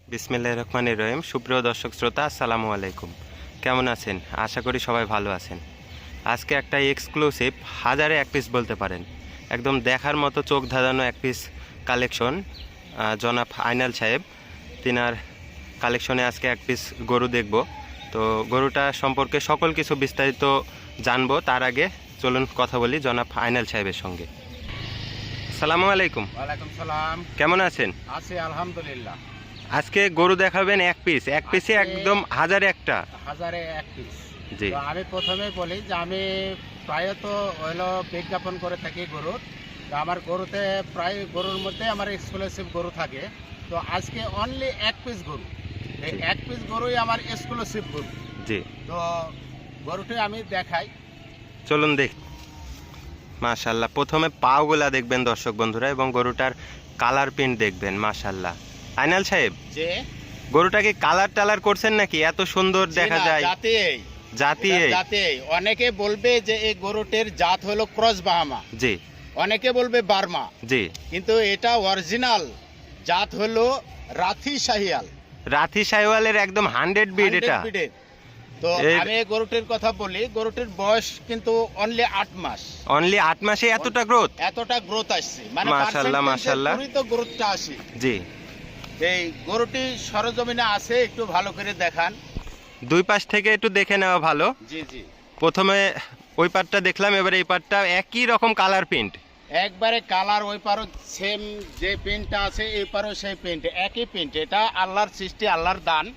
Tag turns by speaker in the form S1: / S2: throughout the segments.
S1: বিসমিল্লাহির রহমানির রহিম। সুপ্রিয় দর্শক শ্রোতা, আসসালামু আলাইকুম। কেমন আছেন? আশা করি সবাই ভালো আছেন। আজকে একটা এক্সক্লুসিভ, হাজারে এক পিস বলতে পারেন, একদম দেখার মতো চোখ ধাঁধানো এক পিস কালেকশন। জনাব আইনাল সাহেব তিনার কালেকশনে আজকে এক পিস গরু দেখব। তো গরুটা সম্পর্কে সকল কিছু বিস্তারিত জানবো। তার আগে চলুন কথা বলি জনাব আইনাল সাহেবের সঙ্গে। আসসালামু আলাইকুম।
S2: ওয়ালাইকুম সালাম।
S1: কেমন আছেন?
S2: আছি আলহামদুলিল্লাহ।
S1: আজকে গরু দেখাবেন এক পিস, এক পিসে একদম হাজারে একটা।
S2: হাজারে এক পিস।
S1: জি,
S2: তো আমি প্রথমেই বলি যে আমি প্রায়ত হলো বিজ্ঞাপন করে থাকি গরুর। তো আমার গরুতে প্রায় গরুর মধ্যে আমার এক্সক্লুসিভ গরু থাকে। তো আজকে অনলি এক পিস গরু, এই
S1: জি।
S2: এক পিস গরুই আমার এক্সক্লুসিভ গরু।
S1: জি,
S2: তো গরুটি আমি দেখাই।
S1: চলুন দেখ। মাশাল্লাহ, প্রথমে পাওগুলা দেখবেন দর্শক বন্ধুরা, এবং গরুটার কালার প্রিন্ট দেখবেন। মাশাল্লাহ। আইনাল সাহেব,
S2: যে
S1: গরুটাকে কালার টালার করছেন নাকি? এত সুন্দর দেখা যায়। জাতি
S2: জাতে অনেকে বলবে যে এই গরুটির জাত হলো ক্রস বাহামা,
S1: জি
S2: অনেকে বলবে বার্মা,
S1: জি।
S2: কিন্তু এটা অরিজিনাল জাত হলো রাথি শাহিয়াল,
S1: রাথি সাইওয়ালের একদম 100 বিট
S2: 100
S1: এটা।
S2: বিটের। তো
S1: এর-
S2: আমি এই গরুটির কথা বলি, গরুটির বয়স কিন্তু অনলি 8 মাস।
S1: অনলি 8 মাসে এতটা গ্রোথ।
S2: এতটা গ্রোথ আসছে, মানে
S1: মাশাআল্লাহ, মাশাআল্লাহ।
S2: তো গ্রোথটা আসে।
S1: জি।
S2: এই গরুটি সরজমিনে আছে, একটু ভালো করে দেখান।
S1: দুই পাশ থেকে একটু দেখে নেওয়া ভালো।
S2: জি জি।
S1: প্রথমে ওই পাটটা দেখলাম, এবারে এই পাটটা একই রকম কালার প্রিন্ট।
S2: একবারে কালার, ওই পারও সেম যে পেন্টটা আছে এই পারও সেই পেন্ট, একই পেন্ট। এটা আল্লাহর সৃষ্টি, আল্লাহর দান।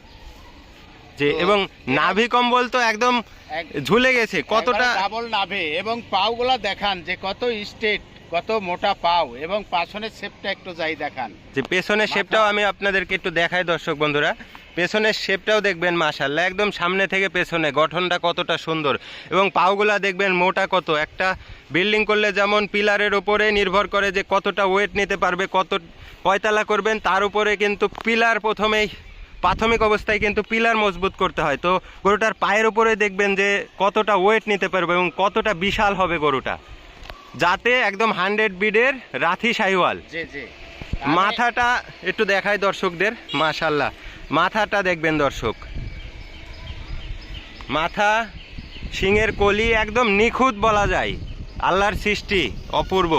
S1: যে
S2: তো
S1: এবং নাভি কম্বল তো একদম ঝুলে গেছে কতটা।
S2: ডাবল নাভে, এবং পাওগুলা দেখান যে কত স্ট্রেট, কত মোটা পাও, এবং পাছনের শেপটা একটু যাই দেখান।
S1: যে পেছনের শেপটাও আমি আপনাদেরকে একটু দেখাই দর্শক বন্ধুরা। পেছনের শেপটাও দেখবেন মাশাআল্লাহ, একদম সামনে থেকে পেছনে গঠনটা কতটা সুন্দর, এবং পাওগুলা দেখবেন মোটা কত। একটা বিল্ডিং করলে যেমন পিলারের উপরে নির্ভর করে যে কতটা ওয়েট নিতে পারবে, কত কয়তলা করবেন তার উপরে কিন্তু পিলার প্রথমেই প্রাথমিক অবস্থায় কিন্তু পিলার মজবুত করতে হয়। তো গরুটার পায়ের উপরে দেখবেন যে কতটা ওয়েট নিতে পারবে এবং কতটা বিশাল হবে গরুটা। যাতে একদম 100 বিডের রাথি শাহিওয়াল।
S2: জি জি।
S1: মাথাটা একটু দেখায় দর্শকদের। মাশাআল্লাহ, মাথাটা দেখবেন দর্শক, মাথা শিংয়ের কলি একদম নিখুঁত বলা যায়। আল্লাহর সৃষ্টি অপূর্ব।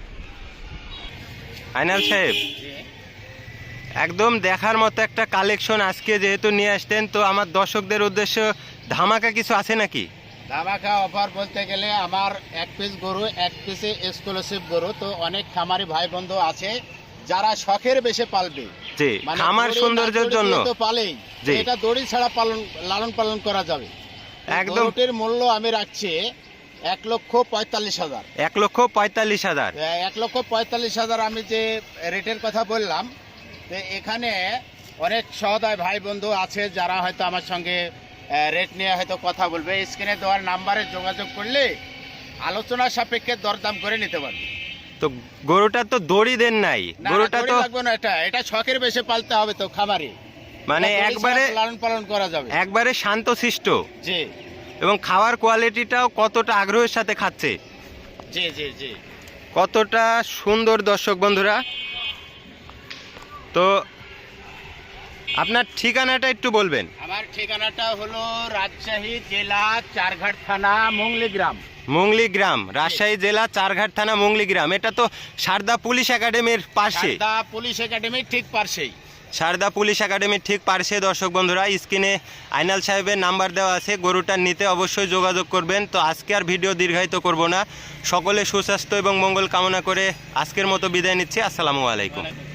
S1: আইনাল সাহেব, একদম দেখার মতো একটা কালেকশন আজকে যেহেতু নিয়ে আসতেন, তো আমার দর্শকদের উদ্দেশ্য ধামাকা কিছু আছে নাকি?
S2: ধামাকা অফার বলতে গেলে আমার এক পিস গরু, এক পিসে এক্সক্লুসিভ গরু। তো অনেক খামারি ভাই বন্ধু আছে যারা শখের বেশে পালবে,
S1: জি, খামার
S2: দড়ি
S1: সৌন্দর্যের
S2: না দড়ি
S1: জন্য।
S2: দিয়ে তো পালেই,
S1: জি।
S2: এটা দড়ি ছাড়া লালন পালন করা যাবে।
S1: একদম।
S2: গরুটির মূল্য আমি রাখছি 1,45,000।
S1: 1,45,000।
S2: 1,45,000 আমি যে রেটের কথা বললাম, তো এখানে অনেক সহদয় ভাই বন্ধু আছে যারা হয়তো আমার সঙ্গে রেট নিয়ে হয়তো কথা বলবে। স্ক্রিনে দেওয়ার নাম্বারে যোগাযোগ করলে আলোচনা সাপেক্ষে দরদাম করে নিতে পারবে।
S1: তো গরুটা তো দড়ি দেন নাই,
S2: না,
S1: গরুটা
S2: দড়ি
S1: তো
S2: লাগবে না, এটা শখের বেশে পালতে হবে তো খামারে,
S1: মানে
S2: এটা দড়ি
S1: একবারে
S2: ছাড়া লালন পালন করা যাবে।
S1: একবারে শান্তশিষ্ট,
S2: জি
S1: এবং খাওয়ার কোয়ালিটিটাও কতটা আগ্রহের সাথে খাচ্ছে,
S2: জি জি জি।
S1: কতটা সুন্দর দর্শক বন্ধুরা। তো আপনার ঠিকানাটা একটু বলবেন।
S2: আমার ঠিকানাটা হলো রাজশাহী জেলা চারঘাট থানা মুংলি গ্রাম।
S1: মুংলি গ্রাম, রাজশাহী জেলা চারঘাট থানা মুংলি গ্রাম। এটা তো সারদা পুলিশ একাডেমির পাশে।
S2: সারদা পুলিশ একাডেমির ঠিক পাশেই।
S1: সারদা পুলিশ একাডেমির ঠিক পাশে দর্শক বন্ধুরা। স্ক্রিনে আইনাল সাহেবের নাম্বার দেওয়া আছে, গরুটা নিতে অবশ্যই যোগাযোগ করবেন। তো আজকে আর ভিডিও দীর্ঘায়িত করব না, সকলে সুস্বাস্থ্য এবং মঙ্গল কামনা করে আজকের মতো বিদায় নিচ্ছি। আসসালামু আলাইকুম।